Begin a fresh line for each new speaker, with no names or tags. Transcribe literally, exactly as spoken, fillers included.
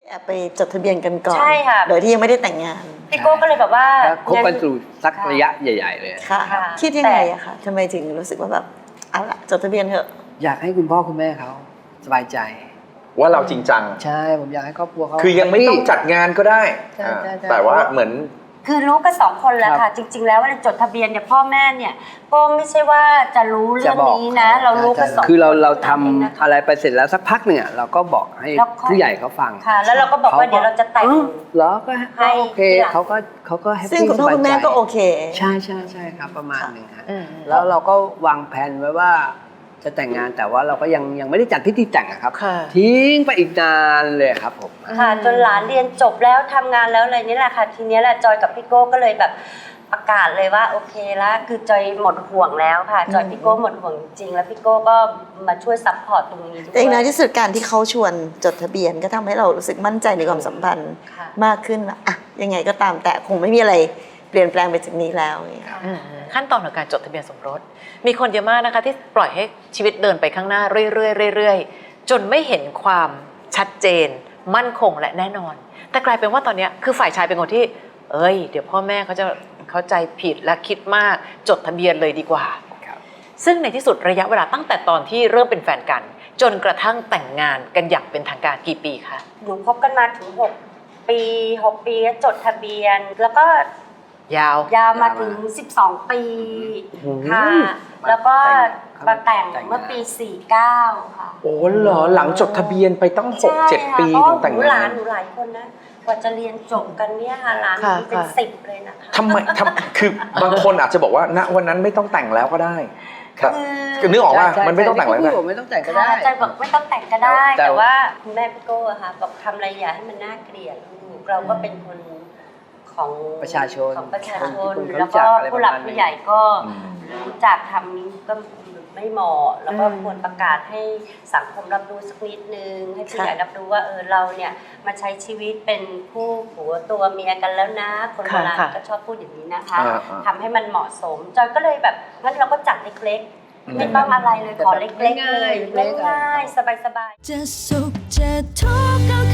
แอบไปจดทะเบียนกันก่อน
ใช่ค่ะ
โดยที่ยังไม่ได้แต่งงาน
พี่โก้ก็เลยแบบว่า
คบกันสู่สักระยะใหญ่ๆเลย
ค่ะคิดยังไงอะคะทำไมถึงรู้สึกว่าแบบเอาละจดทะเบียนเถอะ
อยากให้คุณพ่อคุณแม่เขาสบายใจ
ว่าเราจริงจัง
ใช่ผมอยากให้ครอบครัวเขา
คือยังไม่ต้องจัดงานก็ได้แต่ว่าเหมือน
คือรู้กันสองคนแล้วค่ะจริงๆแล้วเวลาจดทะเบียนเนี่ยพ่อแม่เนี่ยก็ไม่ใช่ว่าจะรู้เรื่องนี้นะเรารู้กันสองคน
คือเราเราทำอะไรไปเสร็จแล้วสักพักหนึ่งเราก็บอกให้ผู้ใหญ่เขาฟัง
ค่ะแล้วเราก็บอกว่าเดี๋ยวเราจะแต่ง
เหรอก็โอเคเขาก็เขาก็แฮปปี้
ซึ่งคุณพ่อคุณแม่ก็โอเค
ใช่ใช่ใช่ครับประมาณหนึ่งครับแล้วเราก็วางแผนไว้ว่าจะแต่งงานแต่ว่าเราก็ยังยังไม่ได้จัดพิธีแต่งครับทิ้งไปอีกนานเลยครับผม
ค่ะจนหลานเรียนจบแล้วทำงานแล้วอะไรนี่แหละค่ะทีนี้แหละจอยกับพี่โก้ก็เลยแบบประกาศเลยว่าโอเคแล้วคือจอยหมดห่วงแล้วค่ะจอยพี่โก้หมดห่วงจริงแล้วพี่โก้ก็มาช่วยซัพพอร์ตตรงนี้ด้วย
แต่ในที่สุดการที่เขาชวนจดทะเบียนก็ทำให้เรารู้สึกมั่นใจในความสัมพันธ์มากขึ้นว่าอะยังไงก็ตามแต่คงไม่มีอะไรเปลี่ยนแปลงไปจากนี้แล้ว
ขั้นตอนของการจดทะเบียนสมรสมีคนเยอะมากนะคะที่ปล่อยให้ชีวิตเดินไปข้างหน้าเรื่อยๆเรื่อยๆจนไม่เห็นความชัดเจนมั่นคงและแน่นอนแต่กลายเป็นว่าตอนนี้คือฝ่ายชายเป็นคนที่เอ้ยเดี๋ยวพ่อแม่เขาจะเข้าใจผิดและคิดมากจดทะเบียนเลยดีกว่าซึ่งในที่สุดระยะเวลาตั้งแต่ตอนที่เริ่มเป็นแฟนกันจนกระทั่งแต่งงานกันอย่างเป็นทางการกี่ปีคะ
หนูคบกันมาถึงหกปีหกปีจดทะเบียนแล้วก็
ยาวย
าวมาถึงสิบสองปีค่ะแล้วก็มาแต่งเมื่อปีสี่สิบเก้าค่ะ
โอ้เหรอหลังจดทะเบียนไปตั้ง หกเจ็ด ปีถึงแต่งงาน
หลานหนูหลายคนนะกว่าจะเรียนจบกันเนี่ยค่ะหลานหนูเป็นสิบเลยนะคะ
ทำไมทำคือบางคนอาจจะบอกว่าณวันนั้นไม่ต้องแต่งแล้วก็ได้ครับคือนึกออกว่ามันไม่ต้องแต่งแล้ว
ไม่ต้องแต่งก็ได้
ใจบอกไม่ต้องแต่งก็ได้แต่ว่าคุณแม่พี่โก้อะค่ะบอกทำอะไรอย่าให้มันน่าเกลียดเราก็เป็นคนของ
ประชาชน
ของประชาชนแล้วก็ผู้หลักผู้ใหญ่ก็รู้จักทำก็ไม่เหมาะแล้วก็ควรประกาศให้สังคมรับรู้สักนิดนึงให้ผู้ใหญ่รับรู้ว่าเออเราเนี่ยมาใช้ชีวิตเป็นคู่ผัวตัวเมียกันแล้วนะคนโบราณก็ชอบพูดอย่างนี้นะคะทำให้มันเหมาะสมจอยก็เลยแบบงั้นเราก็จัดเล็กๆไม่ต้องอะไรเลยขอเล็กๆเลยง่ายๆสบายๆ
จะสุขจะทุกข์